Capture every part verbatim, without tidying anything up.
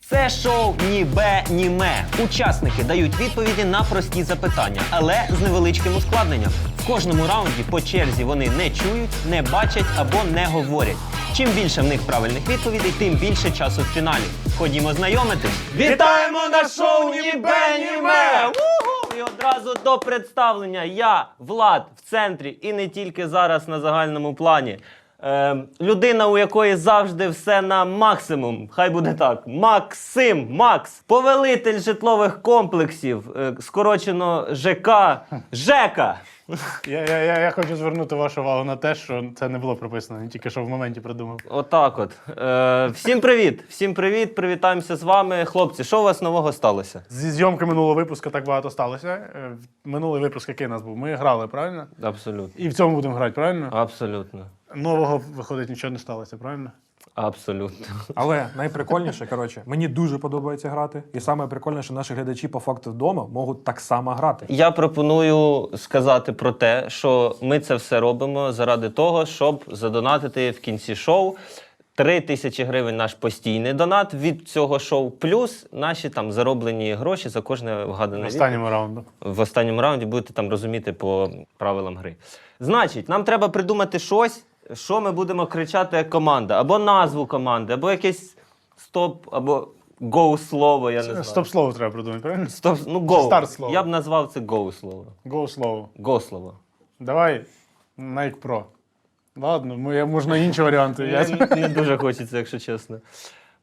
Це шоу «Ні бе, ні ме». Учасники дають відповіді на прості запитання, але з невеличким ускладненням. В кожному раунді по черзі вони не чують, не бачать або не говорять. Чим більше в них правильних відповідей, тим більше часу в фіналі. Ходімо знайомитись. Вітаємо на шоу «Ні бе, ні ме». Уху! І одразу до представлення. Я, Влад, в центрі і не тільки зараз на загальному плані. Е, людина, у якої завжди все на максимум. Хай буде так. Максим, Макс. Повелитель житлових комплексів. Е, скорочено ЖК. ЖЕКа. Я, я, я, я хочу звернути вашу увагу на те, що це не було прописано, тільки що в моменті придумав. Отак от. Е, всім привіт. Всім привіт. Привітаємося з вами. Хлопці, що у вас нового сталося? Зі зйомки минулого випуску так багато сталося. Е, Минулий випуск, який у нас був, ми грали, правильно? Абсолютно. І в цьому будемо грати, правильно? Абсолютно. Нового, виходить, нічого не сталося, правильно? Абсолютно. Але найприкольніше, коротше, мені дуже подобається грати. І саме прикольніше, що наші глядачі по факту вдома можуть так само грати. Я пропоную сказати про те, що ми це все робимо заради того, щоб задонатити в кінці шоу. Три тисячі гривень наш постійний донат від цього шоу, плюс наші там зароблені гроші за кожне вгадане В останньому раунду. в останньому раунді будете там розуміти по правилам гри. Значить, нам треба придумати щось, що ми будемо кричати як команда. Або назву команди, або якесь стоп, або гоу-слово, я не знаю. Стоп-слово треба придумати, правильно? Стоп, ну, гоу. Старт-слово. Я б назвав це гоу-слово. Гоу-слово. Го-слово. Давай Nike Pro. Ладно, ми- можна інші варіанти. Я... Не, не дуже хочеться, якщо чесно. Е,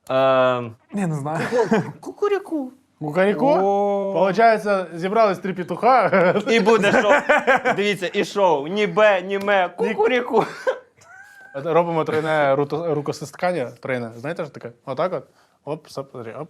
Я не знаю. Кукуряку. Кукаріку? О. Получається, зібрались три петуха. І буде шоу. Дивіться, і шоу. Ні бе, ні ме, кукуряку. Робимо тройне руто- рукостискання. Тройне. Знаєте, що таке? Отак от. Оп, стоп, смотри, оп.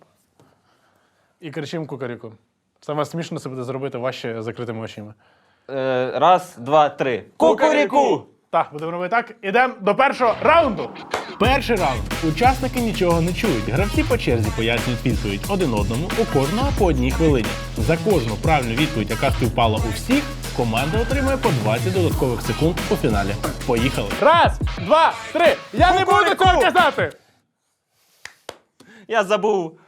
І кричимо кукаріку. Саме смішно це буде зробити важче закритими очима. Е, раз, два, три. Кукуряку! Так, будемо робити так. Ідемо до першого раунду. Перший раунд. Учасники нічого не чують. Гравці по черзі пояснюють відповідь один одному, у кожного по одній хвилині. За кожну правильну відповідь, яка співпала у всіх, команда отримує по двадцять додаткових секунд у фіналі. Поїхали. Раз, два, три. Я не буду цього казати! Я забув.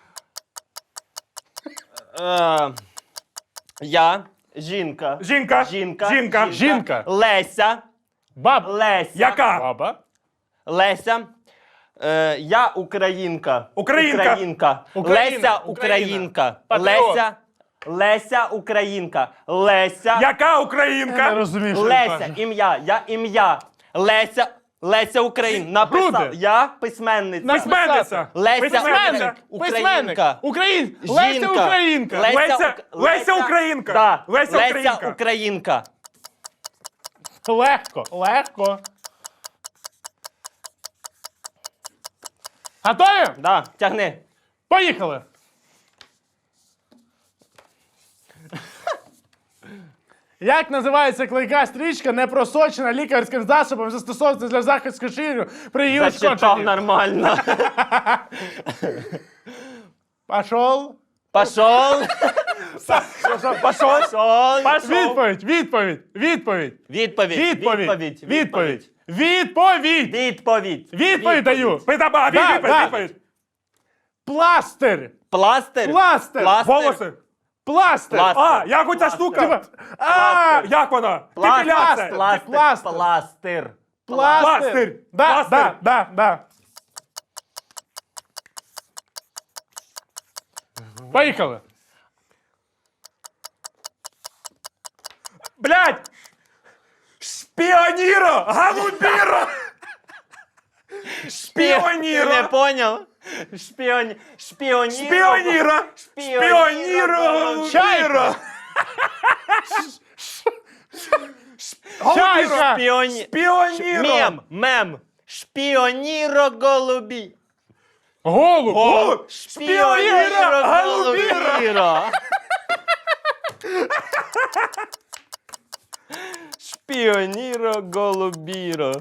Е, я, жінка. Жінка. Жінка. Жінка. Жінка. Леся. Баб. Леся. Яка? Баба. Леся. Е, я українка. Українка. Українка. Україна. Леся Україна. українка. Патріот. Леся. Леся українка. Леся. Яка Я не українка? розумію, що він Леся. каже. Ім'я. Я ім'я. Леся. Леся Українка. Написав. Груди. Я письменниця. Письменниця. Леся Письменниця. Українка. Україн. Леся Жінка. Українка. Леся, Леся- Ук- Леся Українка. Да. Леся Леся Українка. Українка. Легко, легко. Готові? Да, тягни. Поїхали. Як називається клейка стрічка, не просочена лікарським засобом, застосовується для захисту шкіру при її Зачитав ушкодженні? нормально. Пошов. Пошов. Пошов. Пошов. Відповідь, відповідь, відповідь. Відповідь. Відповідь, відповідь, відповідь. Відповідь. Відповідь даю. Питаба, Да, відповідь, да. відповідь. Пластир. Пластир. Пластир. Пластир. Волоси. Пластир. Пластир. А, як оця штука? Типа, а, Як вона? Пластир. Депіляція. Пластир. Пластир. Пластир. пластир. Пластир. Да, Пластир. да, да, да. Поїхали. Блядь! Шпіоніро! Голубіро! Ти Шпіоніро! не поняв? Шпіоні... Шпіоніро. Шпіоніро! Шпіоніро! Чайка. Чайка. Шпіоні... Шпіоніро! Мем. Мем. Шпіоніро голубі. Голуб. Голуб! Шпіоніро голубіро! голубіро. Шпіоніро голубіро.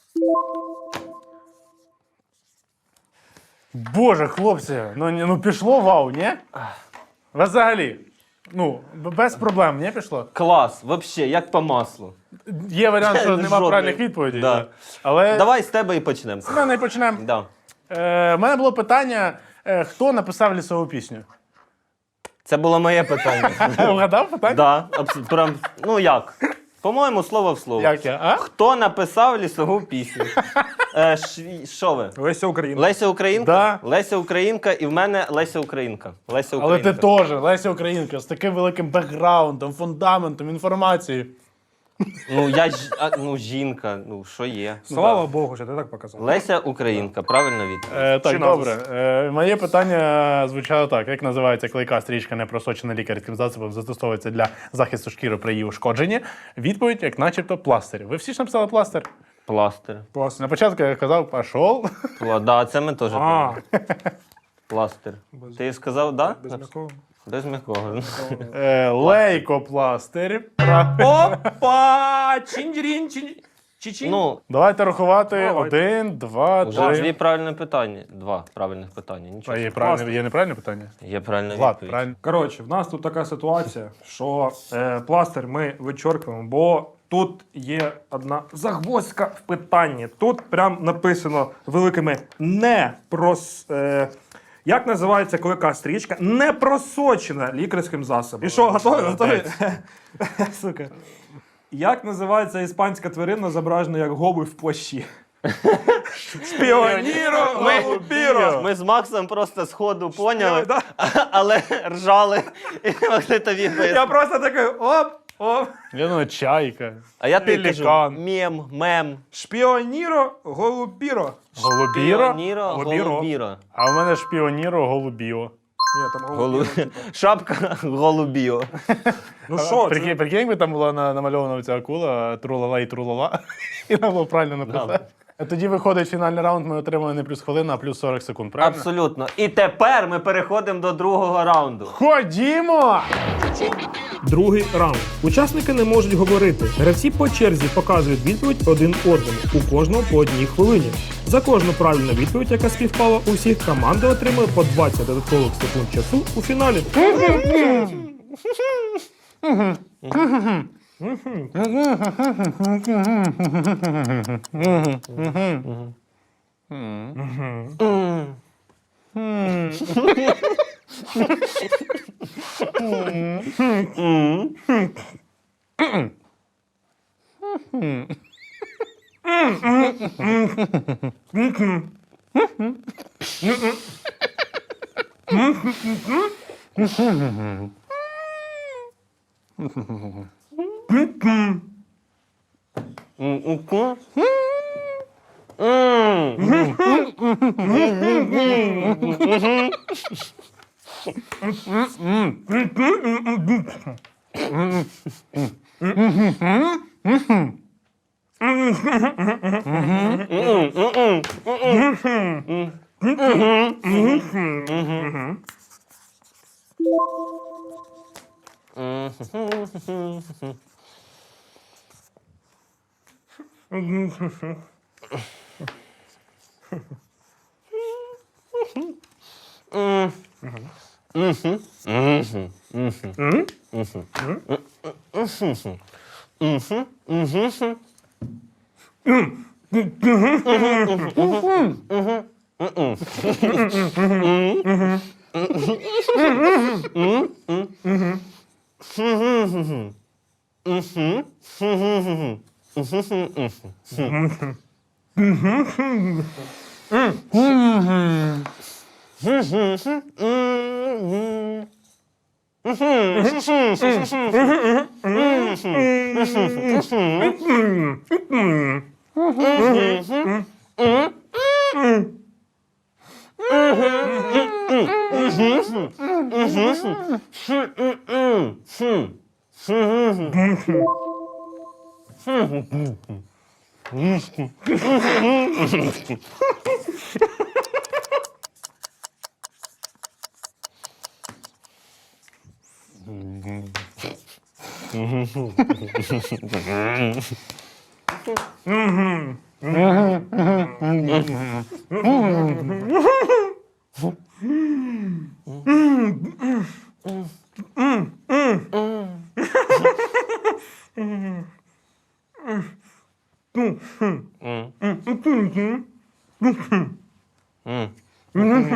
Боже, хлопці, ну, ні- ну пішло вау, ні? Взагалі. Ну, б- без проблем, не пішло? Клас, вообще, як по маслу. Є варіант, що нема Жодної. правильних відповідей. Да. Да. Але Давай з тебе і почнемо. з мене і почнемо. Да. Е, У мене було питання, Е, Хто написав лісову пісню? Це було моє питання. Вгадав питання? Да, абс- прям, ну як? По-моєму, слово в слово. Як я? А? Хто написав лісову пісню? Е, ш- Що ви? Леся Україна. Леся Українка? Да. Леся Українка, і в мене Леся Українка. Леся Але Українка. ти теж, Леся Українка, з таким великим бекграундом, фундаментом, інформацією. Ну, я ж, а, ну, жінка, ну, що є? Слава Богу, що ти так показав. Леся Українка, правильно відповідь. Е, так, Чи добре. Е, моє питання звучало так. Як називається клейка стрічка, не просочена лікарським засобом, застосовується для захисту шкіри при її ушкодженні? Відповідь, як начебто, пластир. Ви всі ж написали пластир? Пластир. На початку я казав, пішов. Пла... Да, це ми теж. А, помнимо. Пластир. Ти сказав, да? без м'якого. Без м'якого. Е, лейкопластир. Пра- Опа! Чинджрін, чинь... Чичин. Ну, Давайте рахувати. Давайте. Один, два, вже дві три. правильні питання. Два правильних питання. Нічого. А є, страшного. правильне, є неправильне питання? Є правильна Влад, відповідь. правильно. Коротше, в нас тут така ситуація, що е, пластир ми вичоркуємо, бо тут є одна загвоздка в питанні. Тут прям написано великими не прос. Е, як називається клейка стрічка? Не просочена лікарським засобом. І що, готові? Готові? Сука. Як називається іспанська тварина, зображена як голубь в плащі? Шпіоніро, голубіро. Ми з Максом просто з ходу поняли, Да. але ржали і не могли тобі Я пояснити. просто такий оп, оп. Я думаю, чайка. А я тобі кажу, Пелікан. мем, мем. Шпіоніро, голубіро. Голубіро. Піоніро, Голубіро. голубіро. А в мене шпіоніро голубіо. Ні, там Голу... голубіро. типу. Шапка голубіо. Ну що, Прикинь, це? прикинь, якби там була на- намальована ця акула, трулала і трулала, і нам було правильно написати. Тоді виходить фінальний раунд, ми отримуємо не плюс хвилину, а плюс сорок секунд, правильно? Абсолютно. І тепер ми переходимо до другого раунду. Ходімо! Другий раунд. Учасники не можуть говорити. Гравці по черзі показують відповідь один одному, у кожного по одній хвилині. За кожну правильну відповідь, яка співпала у всіх, команда отримує по двадцять додаткових секунд часу у фіналі.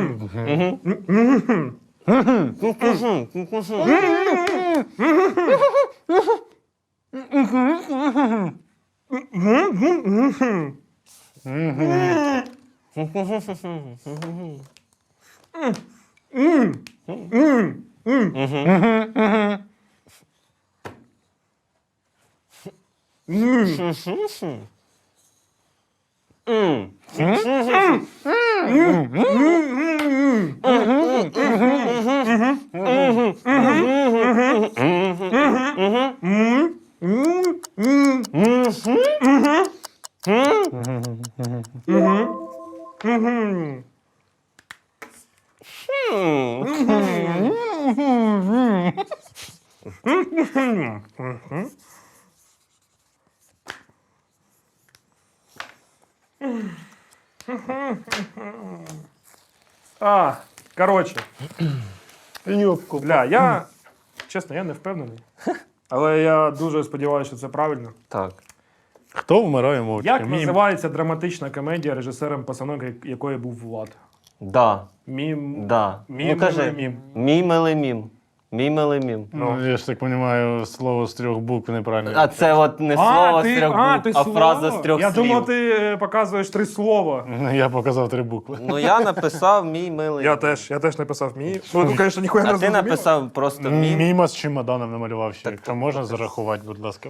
А, коротше, Юбку. бля, я, чесно, я не впевнений. Але я дуже сподіваюся, що це правильно. Так. Хто вмирає мовчки? Як Мім. називається драматична комедія, режисером постановок якої був Влад? Да. Мім. Да. Мім, Ну кажи. мім. Мій милий мім. Мій милий мім. Ну, я ж так розумію, слово з трьох букв неправильно. А це от не слово з трьох а, букв, ти а слово? фраза з трьох Я слів. думав, ти е, показуєш три слова. Ну, я показав три букви. Ну я написав мій милий. Я теж, я теж написав мій. Ну, ну, звісно, ніхуя не А ти зрозуміло. написав просто мім. Міма з чемоданом намалював ще. Якщо можна зарахувати, будь ласка.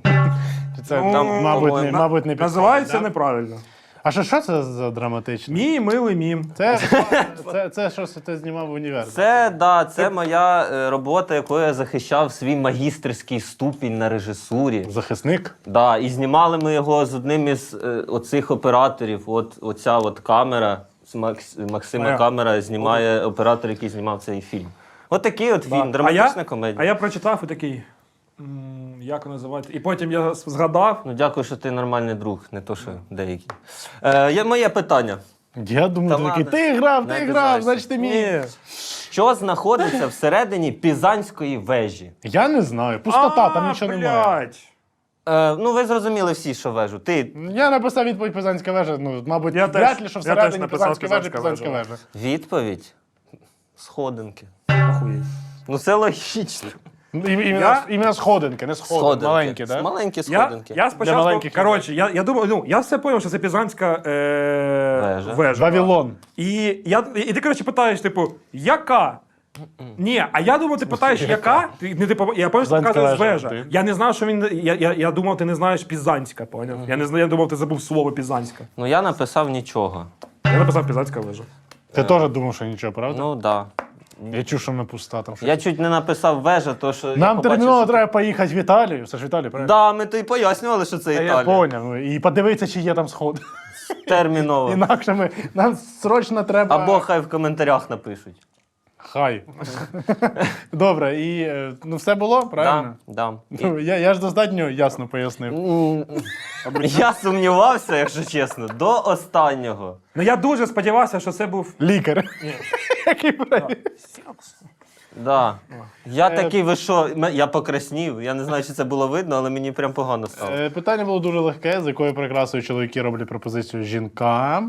Чи Це, Ну, там, мабуть, не, по-моєму, мабуть, не підходить, Називається да? неправильно. А що, що це за драматичне? Мій милий мім. Це, це, це щось ти знімав в універ. Це, да, це моя е, робота, якою я захищав свій магістерський ступінь на режисурі. Захисник? Да, і знімали ми його з одним із е, оцих операторів. От оця от камера, з Макс, Максима Моя. камера знімає оператор, який знімав цей фільм. От такий от фільм, А драматична я, комедія. а я прочитав і такий. «М, Як називається? І потім я згадав. Ну дякую, що ти нормальний друг, не то, що деякі. Е, є моє питання. Я думаю, Та ти такий, ладно. ти грав, Не ти обіжайся. грав, значить ти мій. Ні. Що знаходиться всередині Пізанської вежі? Я не знаю, пустота, там А, нічого блядь. немає. Е, ну, ви зрозуміли всі, що вежу. Ти Я написав відповідь Пизанська вежа, ну, мабуть, Я вряд теж- ли, що я теж всередині написав Пизанської вежі Пизанська Пизанська вежа. вежа. відповідь сходинки. Охуєть. Ну це логічно. Ну, і- Іменно, Я- іменно сходинки, не сходинки, Сходинки. маленькі, так? Да? Маленькі Я, сходинки. я спочатку, маленьких коротше, я, я думав, ну, я все зрозумів, що це Пізанська е... Вежа. вежа. Вавилон. І, я, і ти, коротше, питаєш, типу, яка? Ні, а я думав, ти питаєш, яка? Ти, не, типу, я пам'ятаю, що ти Пізанська показуєш вежа, вежа. ти. Я не знав, що він. Я, я, я думав, ти не знаєш Пізанська, поняв? Я не знаю, я думав, ти забув слово Пізанська. Ну я написав нічого. Я написав Пізанська вежа. Ти теж думав, що нічого, правда? Ну так. Да. Я чув, що вона пуста там. щось. Я чуть не написав вежа, то що. я Нам побачив, терміново що- треба поїхати в Італію. Все ж в Італію, правильно? Да, ми то й пояснювали, що це Та Італія. я поняв. Ну, і подивитися, чи є там сход. Терміново. Інакше ми, нам срочно треба... Або хай в коментарях напишуть. Хай. Добре, і е, ну все було, правильно? Да, да. Ну, я, я ж достатньо ясно пояснив. М, Я сумнівався, якщо чесно, до останнього. Ну я дуже сподівався, що це був. Лікар. Який правильний. Да. Я Е, такий, ви що, М- я покраснів. Я не знаю, чи це було видно, але мені прям погано стало. Е, Питання було дуже легке, з якою прикрасою чоловіки роблять пропозицію жінкам.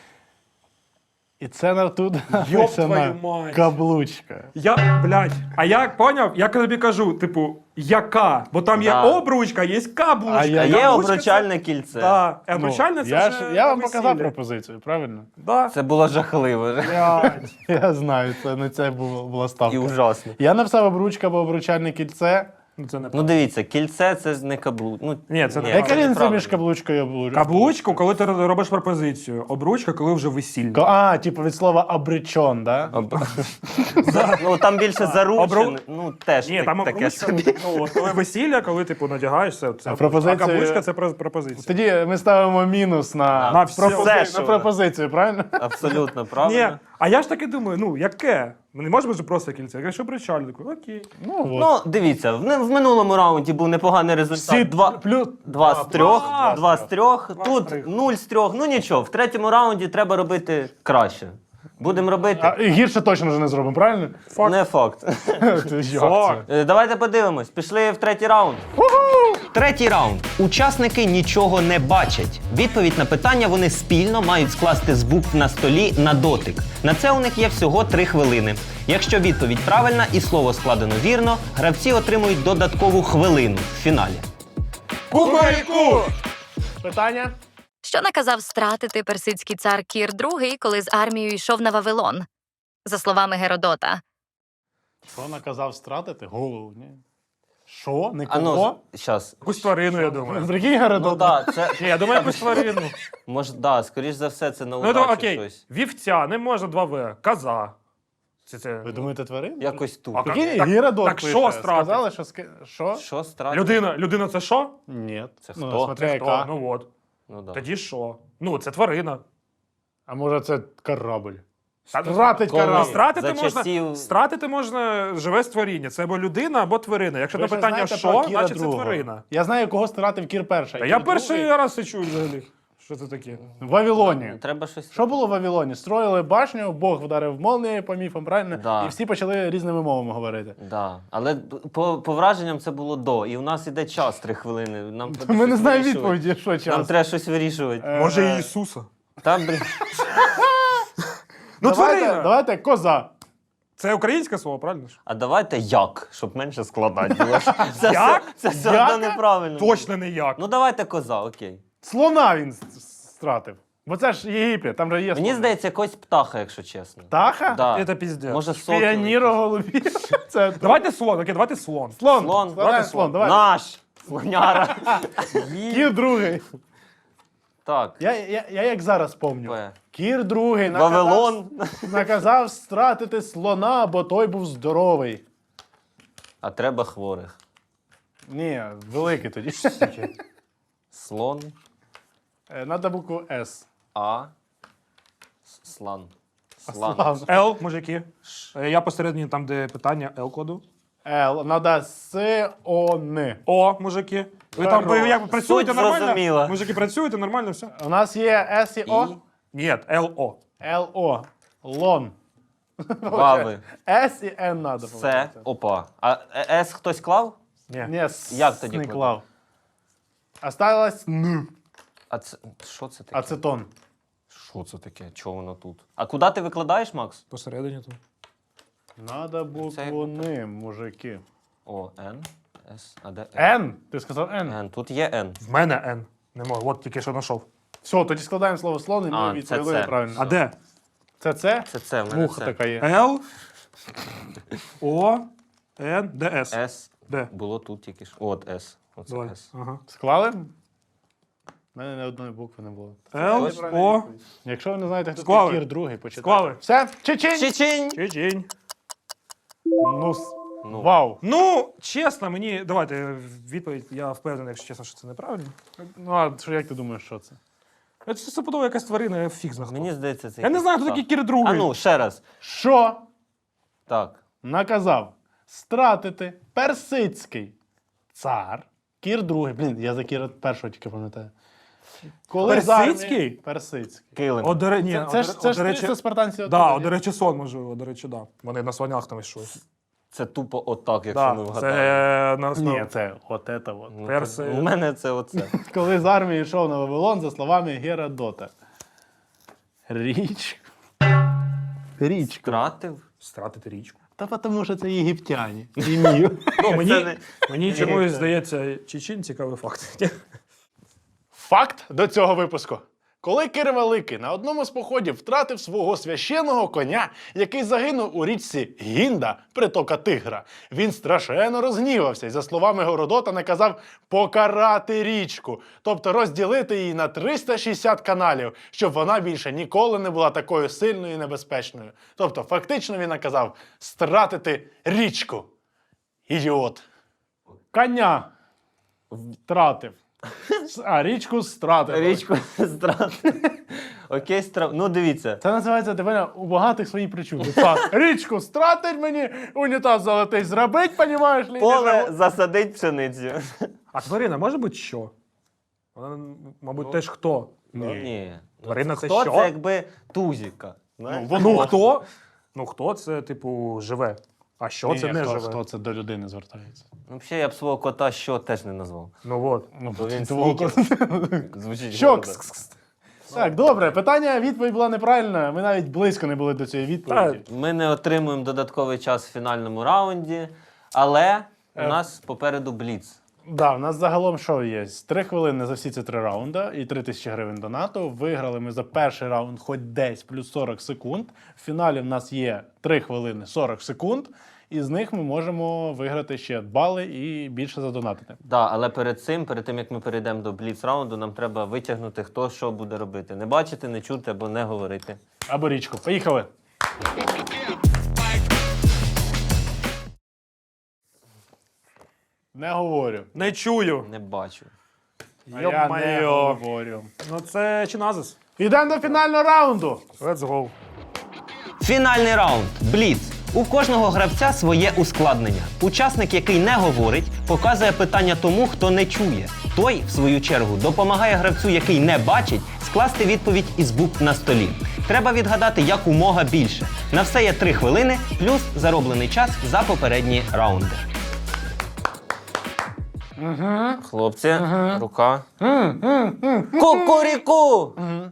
І це на тут написана твою мать. каблучка. Я, блядь, а я поняв, я тобі кажу, типу, яка? Бо там є Да. обручка, є каблучка. А я- А є Каблучка обручальне кільце. Так, Ну, обручальне це я, вже ж, я вам на показав весіллі. пропозицію, правильно? Да. Це було жахливо Блядь. Я знаю, це не це було, була ставка. і ужасно. Я написав обручка або обручальне кільце. Ну, це не Ну дивіться, кільце це ж не каблук. Ну, Ні, це не Яка правильно. різниця неправильно. між каблучкою і обручкою? Каблучку, коли ти робиш пропозицію. Обручка, коли вже весілля. А, типу від слова обречон, да? Об- ну там більше заручене. Обру- Ну теж Ні, так- там таке обручка, собі. ну, от коли весілля, коли типу надягаєшся, це А пропозиція- а каблучка це про- пропозиція. Тоді ми ставимо мінус на, На все. пропози- Все, що на вона. пропозицію, правильно? Абсолютно Ні, правильно. а я ж таки думаю, ну яке? Ми не можемо ж просто кільце. Я кажу, причально. Окей. Ну, от. Ну, дивіться, в, в минулому раунді був непоганий результат. Всі Два, плюс... два з трьох, два. два з трьох. Два з Тут трьох. нуль з трьох. Ну нічого, в третьому раунді треба робити краще. Будемо робити. А, і гірше точно вже не зробимо, правильно? Факт. Не факт. Як Факт. це? Е, Давайте подивимось. Пішли в третій раунд. Уху! Третій раунд. Учасники нічого не бачать. Відповідь на питання вони спільно мають скласти з букв на столі на дотик. На це у них є всього три хвилини. Якщо відповідь правильна і слово складено вірно, гравці отримують додаткову хвилину в фіналі. Кукуріку! Питання? Що наказав стратити персидський цар Кір другий, коли з армією йшов на Вавилон? За словами Геродота. Що наказав стратити? Голову, ні. Що? Не А кого? ну, щас. Якусь тварину, я думаю. Прикинь, Ну Геродот. да, це, Ні, я думаю, якусь тварину. може, да, скоріш за все, це на Ну, то, удачу окей, щось. вівця, не можна два В. Коза. Це, це... Ви думаєте, тварин? Якось тут. А Прикинь, Так- Геродот так пише. що стратити? Сказали, що... ски- Що? Що страти? Людина, людина це що? Ні. Це Ну, хто? смотря Це яка. хто? Ну от. Ну, да. Тоді що? Ну, це тварина. А може це корабль? Та- Стратить Коли? корабль. Стратити За можна, часів- стратити можна живе створіння. Це або людина, або тварина. Якщо Ви на ж питання знаєте що, про Кіра значить це другого. тварина. Я знаю, кого стратив Кір перший. Та Кір я перший другий раз це чую взагалі. Що це таке? В Вавилоні. Треба щось. Що було в Вавилоні? Строїли башню, Бог вдарив молнією по міфам, правильно? Да. І всі почали різними мовами говорити. Да. Але по, по враженням це було до. І в нас іде час три хвилини. Нам треба Ми не щось знаємо вирішувати. відповіді, що Нам час. треба щось вирішувати. Е, Може, Ісуса? Та, блін. Ну, давайте, тварина! давайте коза. Це українське слово, правильно ж? А давайте як, щоб менше складати було. Це, Як? все- це все одно Яка? неправильно. Точно не як. Ну давайте коза, окей. Слона він с- стратив. Бо це ж Єгипет, там же є Мені слони. здається, якось птаха, якщо чесно. Птаха? Да. Це піздець. Може, сокіл Піаніро якийсь. голубі. Це Давайте слон, окей, давайте слон. слон. Слон. Складаємо Давайте слон. слон. Давай. Наш! Слоняра. Кір другий. Так. Я, я, я як зараз помню. П. Кір другий наказав, Вавилон. наказав стратити слона, бо той був здоровий. А треба хворих. Ні, великий тоді. Слон. Е, Надо букву С. А. С- Слан. Слан. Слан. Л, мужики. Е, Я посередині там, де питання, Л коду. Л. Надо С, О, Н. О, мужики. Ви там ви як працюєте Суть нормально? зрозуміла. Мужики, працюєте нормально, все? У нас є С і О. І. Ні, Л, О. Л, О. Лон. Вави. С і Н надо. Це. Опа. А е- С хтось клав? Ні. Ні, С Як тоді не кладуть? клав. Осталось Н. А це. Що це таке? Ацетон. Що це таке? Чого воно тут? А куди ти викладаєш, Макс? Посередині там. Надо букву Н, мужики. О, Н. С. А де Н? Н. Ти сказав Н. Н. Тут є Н. В мене Н. Не можу, от тільки що знайшов. Все, тоді складаємо слово слон і ми А, відповіли це це. правильно. А де? Це це? Це це. В мене Муха це. така є. Л, О, Н, Д, С. С. Де? Було тут тільки що. От С. Оце Давай. С. Ага. Склали? У мене ні одної букви не було. Л, Це О, Якщо ви не знаєте, хто Склали. такий Кір другий, почитайте. Склали. Все? Чечень! Чечень! Чечень. Ну, с- Ну. вау. Ну, чесно, мені. Давайте відповідь. Я впевнений, якщо чесно, що це неправильно. Ну, а що, як ти думаєш, що це? Це стопудово якась тварина, я фіг знає. хто. Мені здається, це. Я не якийсь знаю, хто птах. такий Кір другий. А ну, ще раз. Що Так. наказав стратити персидський цар Кір другий. Блін, я за Кіра першого тільки пам'ятаю. Коли з армії- Персидський? Персидський. Килим. О, до, ре- ні, Це, о, це, до- ж о, це, ж до речі, це спартанці. да, оттуда, о, ні? до речі, сон, можливо, до речі, да. Вони на слонях там йшли. Це тупо отак, якщо ми Да, вгадаємо. це на основі. Ні, це от це от. Ну, перси- це- У мене це оце. Коли з армії йшов на Вавилон, за словами Геродота. Річ. Річка. Втратив. Стратити річку. Та тому що це єгиптяні. Імію. Ну, Це мені, не- мені чомусь здається, Чечень цікавий факт. Факт до цього випуску. Коли Кир Великий на одному з походів втратив свого священного коня, який загинув у річці Гінда, притока Тигра, він страшенно розгнівався і, за словами Геродота, наказав покарати річку, тобто розділити її на триста шістдесят каналів, щоб вона більше ніколи не була такою сильною і небезпечною. Тобто, фактично він наказав стратити річку. Ідіот. Коня втратив. А річку стратив. Річку стратив. Окей, страв. Ну, дивіться. Це називається тебе у багатих свої причуди. Так, річку стратить мені, унітаз золотий зробить, понімаєш? ли, Поле ніж- засадить пшеницю. А тварина може бути що? Вона, мабуть, теж хто? Ні. Тварина це Хто що? це якби тузіка? знаєш? Ну, Ну воно. хто? Ну хто це, типу, живе? А що Ні, це ні, не хто, живе? хто це до людини звертається? Ну, взагалі, я б свого кота що теж не назвав. Ну от. Ну, Бо він твого снікер. кота. Звучить Що? гордо. Кс-кс-кс. Так, добре, питання, відповідь була неправильна. Ми навіть близько не були до цієї відповіді. Ми не отримуємо додатковий час в фінальному раунді, але у Е. нас попереду бліц. Да, у нас загалом що є? Три хвилини за всі ці три раунди і три тисячі гривень донату. Виграли ми за перший раунд хоч десь плюс сорок секунд. В фіналі в нас є три хвилини сорок секунд. І з них ми можемо виграти ще бали і більше задонатити. Да, але перед цим, перед тим як ми перейдемо до бліц раунду, нам треба витягнути, хто що буде робити. Не бачити, не чути або не говорити. Або річку. Поїхали! Не говорю. Не чую. Не бачу. А я не Йо-моє. говорю. Ну це Чиназис. Йдемо до фінального раунду. Let's go. Фінальний раунд. Бліц. У кожного гравця своє ускладнення. Учасник, який не говорить, показує питання тому, хто не чує. Той, в свою чергу, допомагає гравцю, який не бачить, скласти відповідь із букв на столі. Треба відгадати якомога більше. На все є три хвилини, плюс зароблений час за попередні раунди. Хлопці, рука. Кукуріку!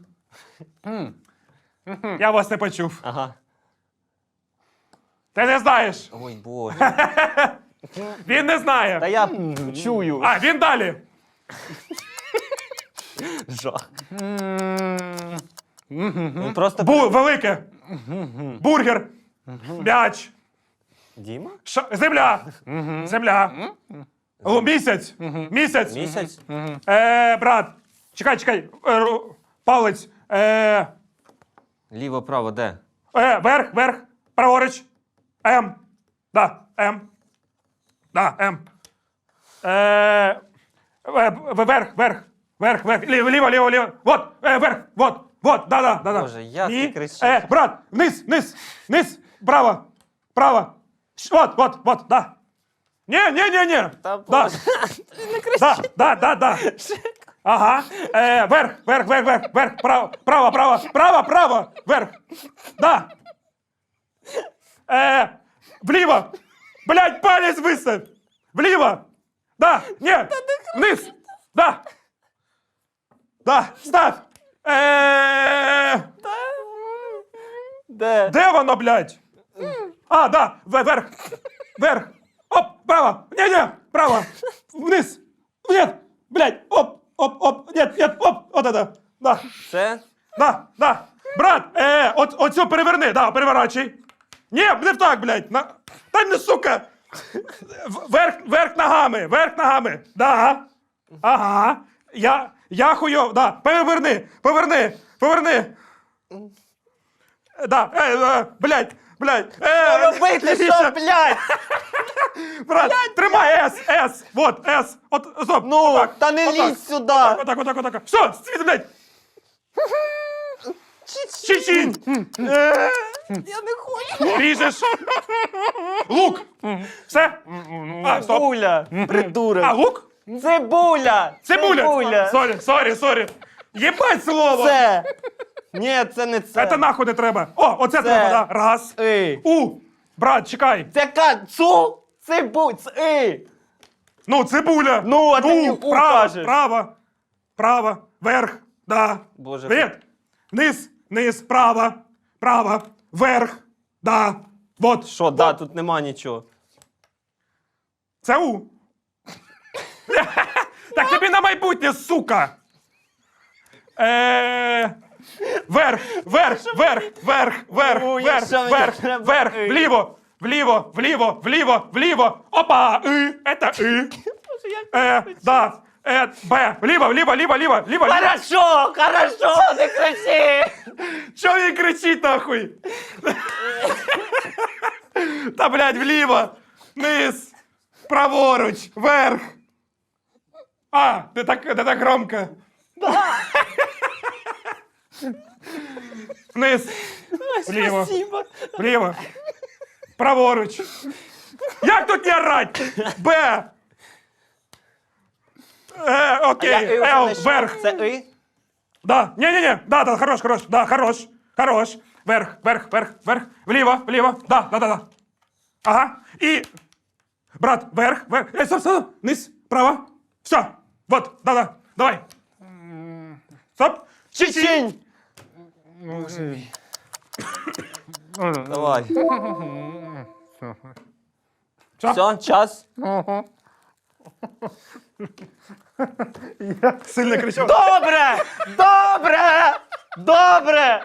Я вас не почув. Ага. Ти не знаєш. Ой, боже. Він не знає. Та я чую. А, він далі. Жах. Він просто... Бу, велике. Бургер. М'яч. Діма? Ша- земля. Земля. Лу- Місяць. Місяць. Місяць? Е, брат. Чекай, чекай. Е, ру- палець. Е, Ліво, право, де? е, верх, верх. Праворуч. М. Да, М. Да, М. Е, е, в- верх, верх. Верх, верх. Ліво, ліво, ліво, ліво. Вот, е, верх, вот, вот, да, да, да, да. Боже, як Ні. ти кричиш? Е, брат, вниз, вниз, вниз, право, право. Ш- Вот, вот, вот, да. Не, не, не, не. Та Да. боже. Да, да, да, да. Ага. Е, верх, верх, верх, верх, верх, право, право, право, право, право, верх. Да. Е, вліво. Блядь, палець виставь. Вліво. Да, ні. Вниз. Да. Да, став. Е, Де? де воно, блядь? А, да, в- верх. Верх. Оп, право. Не-не, право. Вниз. Нет, блядь, оп, оп, оп, нет, нет, оп, от это. Да, Це? да, да. Брат, е, от, оцю переверни, да, переворачуй. Ні, не так, блядь. На... Та не, сука. В- Верх, верх ногами, верх ногами. Да. Ага. Я, я хуйов, да. Переверни, поверни, поверни. Да, е, е, блядь, блядь. Е, Робити лівіше. що, блядь? Брат, тримай С, С, вот, С, от, стоп, Ну, отак, та не отак, лізь сюди. Отак, отак, отак, все, світ, блядь. Чечінь. Е, Я не хочу. Ріжеш. Лук. Все? А, стоп. Цибуля, придурок. А, лук? Цибуля. Цибуля. Цибуля. Сорі, сорі, сорі. Єбать слово. Це. Ні, це не це. Це нахуй не треба. О, оце треба, да. Раз. Ей. У. Брат, чекай. Це ка... Цу? Цибу... Ц... Ей. Ну, цибуля. Ну, а ти мені у право, кажеш. право, право, верх, да. Боже. Привіт. Низ, низ, право, право, верх, да. Вот. Що, да, тут нема нічого. Це У. Так тобі на майбутнє, сука. Е, Верх, верх, верх, верх, верх, Ой, верх, що мені верх, треба? верх, Ей. вліво, вліво, вліво, вліво, вліво. Опа, И, это И. Е, да, е, Б, вліво, вліво, вліво, вліво, вліво. Хорошо, хорошо, не кричи. Чого він кричить, нахуй? Та, блядь, вліво, вниз, праворуч, вверх. А, не так, не так громко. Вниз, вліво, Спасибо. вліво, праворуч. Як тут не орать? Б. Е, окей, Л, вверх. Це И? Да, не-не-не, да, да, хорош, хорош, да, хорош, хорош. Вверх, вверх, вверх, вверх, вліво, вліво, да, да, да, да. Ага. І. Брат, вверх, вверх. Е, стоп, стоп. Низ, право. Все. Вот, да-да. Давай. Стоп. Чечень! Давай. Все, час. Сильно кричав. Добре! Добре! Добре!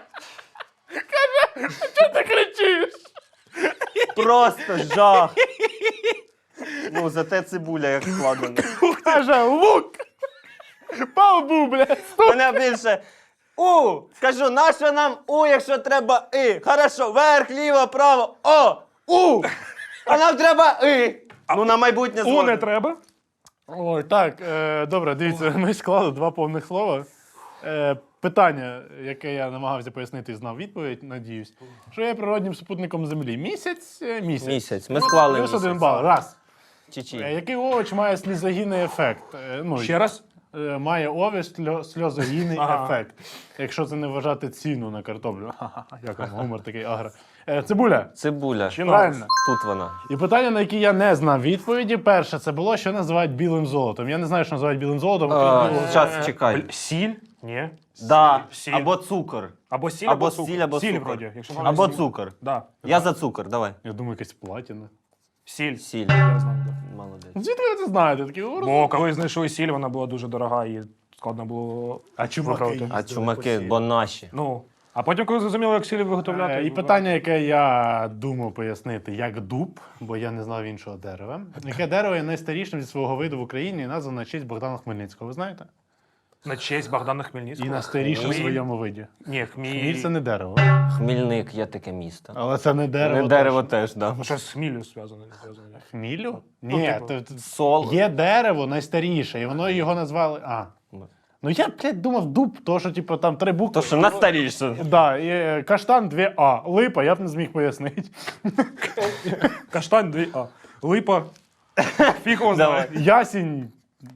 Ти кричиш! Просто жах. Ну, зате цибуля як складена. Каже, лук! Павбу, блядь! Мене більше У! Кажу, нащо нам У, якщо треба І? Хорошо, вверх, ліво, право, О! У! А нам треба І! Ну, на майбутнє У не згоден. треба. Ой, так, е, добре, дивіться, ми склали два повних слова. Е, питання, яке я намагався пояснити і знав відповідь, надіюсь, що є природнім супутником Землі. Місяць, е, місяць. Місяць. Ми склали Плюс один місяць. бал. Раз. Е, Чи-чи. який овоч має сльозогінний ефект? Е, ну, Ще раз. е, має овоч сльо- сльозогінний Ага. ефект. Якщо це не вважати ціну на картоплю. Ха-ха-ха, як вам гумор такий агро. Е, цибуля. Цибуля. Правильно. Тут вона. І питання, на які я не знав відповіді, перше, це було, що називають білим золотом. Я не знаю, що називають білим золотом. окрім білого. Зараз чекай. Бл- Сіль? Ні. Да. Сіль. Або цукор. Або сіль, Або або цукор. сіль, або Сіль, цукор. вроді. Якщо Або сіль. цукор. Да. Я за цукор, давай. Я думаю, якась платіна. Сіль. Сіль. Я знаю, да. Молодець. Звідки ви це знаєте? Такі, «О, Бо коли знайшли сіль, вона була дуже дорога і складно було А чуваки виправити. А чумаки, бо наші. Ну, а потім, коли зрозуміли, як сіль виготовляти... Е, І питання, яке я думав пояснити, як дуб, бо я не знав іншого дерева. Яке дерево є найстарішим зі свого виду в Україні і названо на честь Богдана Хмельницького, ви знаєте? На честь Богдана І Хмельницького. найстарішим в Хміль. своєму виді. Ні, хміль. Хміль це не дерево. Хмільник є таке місто. Але це не дерево. Не дерево точно. теж, да. Ну, щось з хмілю зв'язане. не зв'язане. Хмілю? Ну, Ні, типу. то- то- Сол. є дерево найстаріше, і воно його назвали. А. Ну я, блядь, думав дуб, то що, типу, там три букви. То, що найстаріше. Да, і е, каштан дві А. Липа, я б не зміг пояснити. Каштань дві А. Липа. Фіг його Давай. знає. Ясінь.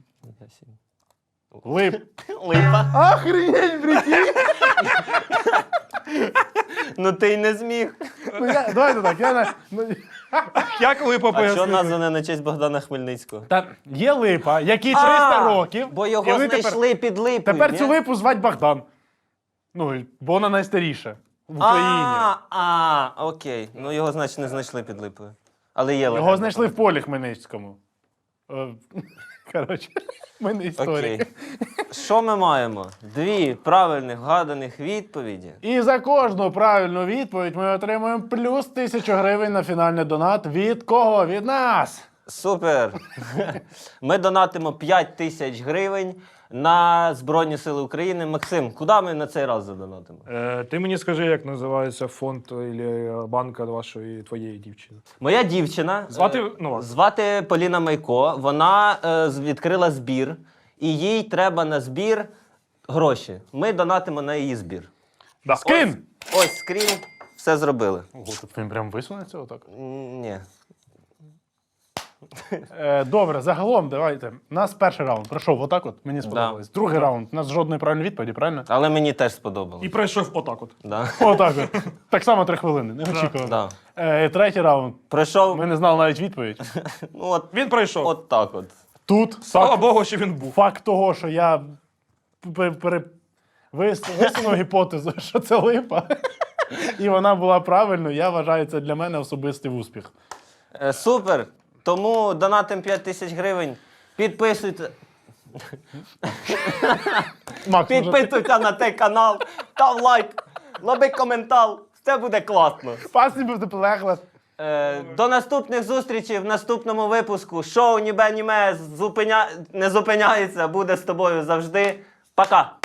Лип. Липа. Охренеть, прикинь! Ну ти й не зміг. Ну, я, давайте так, я на. Ну, Як липа А що пояснити? назване на честь Богдана Хмельницького? та є липа, якій триста А, років. Бо і його вони тепер, знайшли під липою. тепер ні? цю липу звать Богдан. Ну, бо вона найстаріша в Україні. А, а, окей. Ну його, значить, не знайшли під липою. Але є Його легенда. знайшли в полі Хмельницькому. Е, Коротше, в мене історія. Окей. Що ми маємо? Дві правильних вгаданих відповіді. І за кожну правильну відповідь ми отримуємо плюс тисячу гривень на фінальний донат. Від кого? Від нас! Супер! Ми донатимо п'ять тисяч гривень на Збройні Сили України. Максим, куди ми на цей раз задонатимо? Е, ти мені скажи, як називається фонд або банка вашої твоєї дівчини. Моя дівчина Звати, е, ну, ладно. звати Поліна Майко. Вона е, з- відкрила збір, і їй треба на збір гроші. Ми донатимо на її збір. Да. Скрін! Ось, ось скрін, все зробили. Ого, тут він прям висунеться отак. М, Ні. Е, добре, загалом, давайте. У нас перший раунд пройшов отак от, мені сподобалось. Другий раунд, у нас жодної правильної відповіді, правильно? Але мені теж сподобалось. І пройшов отак от. Да. Отак от. Так само три хвилини, не очікував. Да. Е, третій раунд. Пройшов, Ми не знали навіть відповідь. ну от, Він пройшов. от так от. Тут Слава факт, Богу, що він був. факт того, що я пере, пере, вис- висунув гіпотезу, що це липа, і вона була правильною, я вважаю, це для мене особистий успіх. Е, Супер! Тому донатим п'ять тисяч гривень. Підписуйте, Макс, може, ти- підписуйся на цей канал, став лайк, лоби коментар. Все буде класно. Пасні був полегла. Е, до наступних зустрічей в наступному випуску. Шоу Нібе Німе зупиня... не зупиняється, буде з тобою завжди. Пока!